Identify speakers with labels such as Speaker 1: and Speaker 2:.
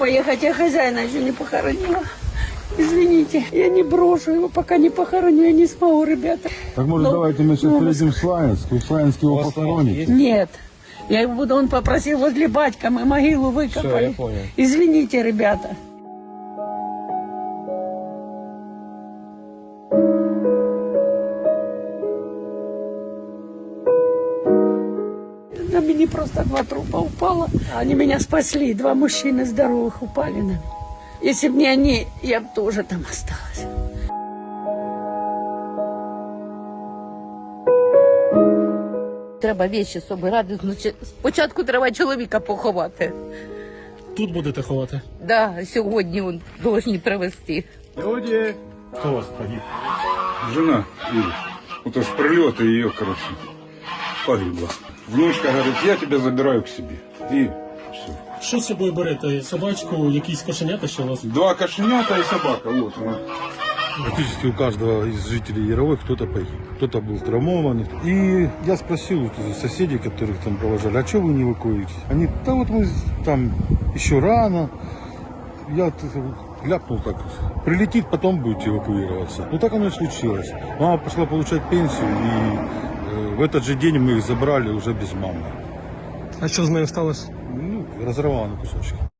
Speaker 1: поехать, я хозяина еще не похоронила. Извините, я не брошу его, пока не похороню, я не смогу, ребята.
Speaker 2: Так может давайте мы сейчас поедем в Славянск, в Славянске его похоронить?
Speaker 1: Нет, я его буду, он попросил возле батька, мы могилу выкопали.
Speaker 3: Все, я понял.
Speaker 1: Извините, ребята. На меня просто 2 трупа упало. Они меня спасли. 2 мужчины здоровых упали на меня. Если бы не они, я бы тоже там осталась. Треба вещи собирати. Спочатку треба чоловіка поховати.
Speaker 3: Тут будете ховати?
Speaker 1: Да, сьогодні он повинні привезти.
Speaker 2: Люди!
Speaker 3: Хто у вас погиб?
Speaker 2: Жена Ира. Вот уж прилет и ее, короче, погибла. Внучка говорит, я тебя забираю к себе. И все.
Speaker 3: Що з собою берете? Собачку, якісь кошенята ще у вас?
Speaker 2: 2 кошенята и собака. Вот она.
Speaker 4: Практически у каждого из жителей Яровой кто-то погиб, кто-то был травмован. И я спросил у соседей, которых там провожали, а что вы не эвакуируете? Они, да вот мы там еще рано. Я ляпнул так, прилетит, потом будете эвакуироваться. Ну так оно и случилось. Мама пошла получать пенсию, и в этот же день мы их забрали уже без мамы.
Speaker 3: А що з нею сталося?
Speaker 4: Ну, разорвала на кусочки.